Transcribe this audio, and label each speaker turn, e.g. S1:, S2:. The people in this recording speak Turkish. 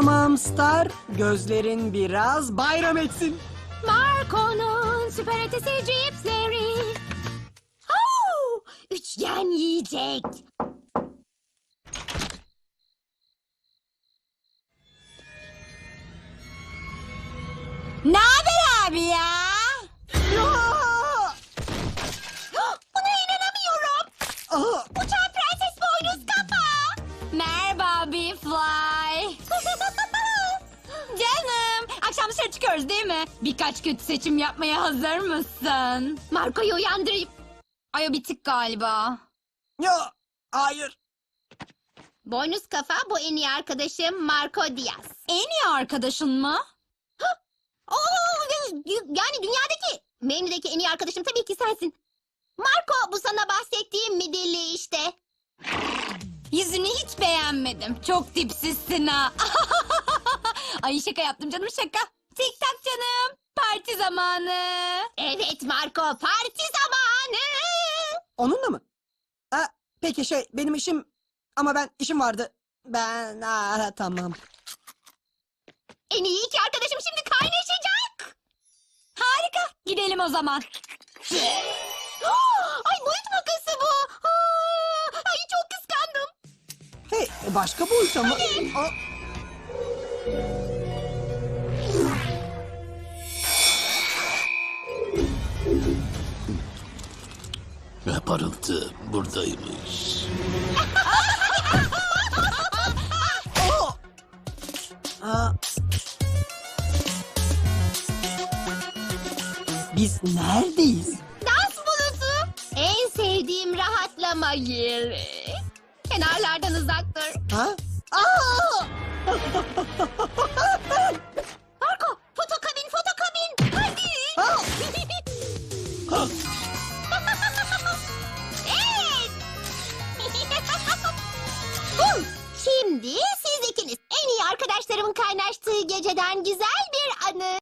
S1: Tamam Star, gözlerin biraz bayram etsin.
S2: Marco'nun süper ötesi cipsleri. Üçgen yiyecek. Ne haber abi ya? Buna inanamıyorum. Uçan prenses boynuz kafa. Merhaba Bee-Fly. Canım, akşam dışarı çıkıyoruz değil mi? Birkaç kötü seçim yapmaya hazır mısın? Marco'yu uyandırayım. Ay o bitik galiba.
S1: Ya, hayır.
S2: Boynuz kafa bu en iyi arkadaşım Marco Diaz. En iyi arkadaşın mı? Yani dünyadaki, benimdeki en iyi arkadaşım tabii ki sensin. Marco bu sana bahsettiğim midilli işte. Yüzünü hiç beğenmedim. Çok dipsizsin ha. Ay şaka yaptım canım şaka. Tik tak canım. Parti zamanı. Evet Marco parti zamanı.
S1: Onunla mı? Peki benim işim... Ama işim vardı. Tamam.
S2: En iyi iki arkadaşım şimdi kaynaşacak. Harika. Gidelim o zaman. Ay boyut makası bu. Ay çok kıskandım.
S1: Hey, başka boyuta mı?
S3: Ve parıltı buradaymış.
S1: Biz neredeyiz?
S2: Dans bulutu. En sevdiğim rahatlama yeri. Kenarlardan uzak dur.
S1: Ha?
S2: Marco, fotokabin, fotokabin. Hadi. Evet. Şimdi siz ikiniz en iyi arkadaşlarımın kaynaştığı geceden güzel bir anı.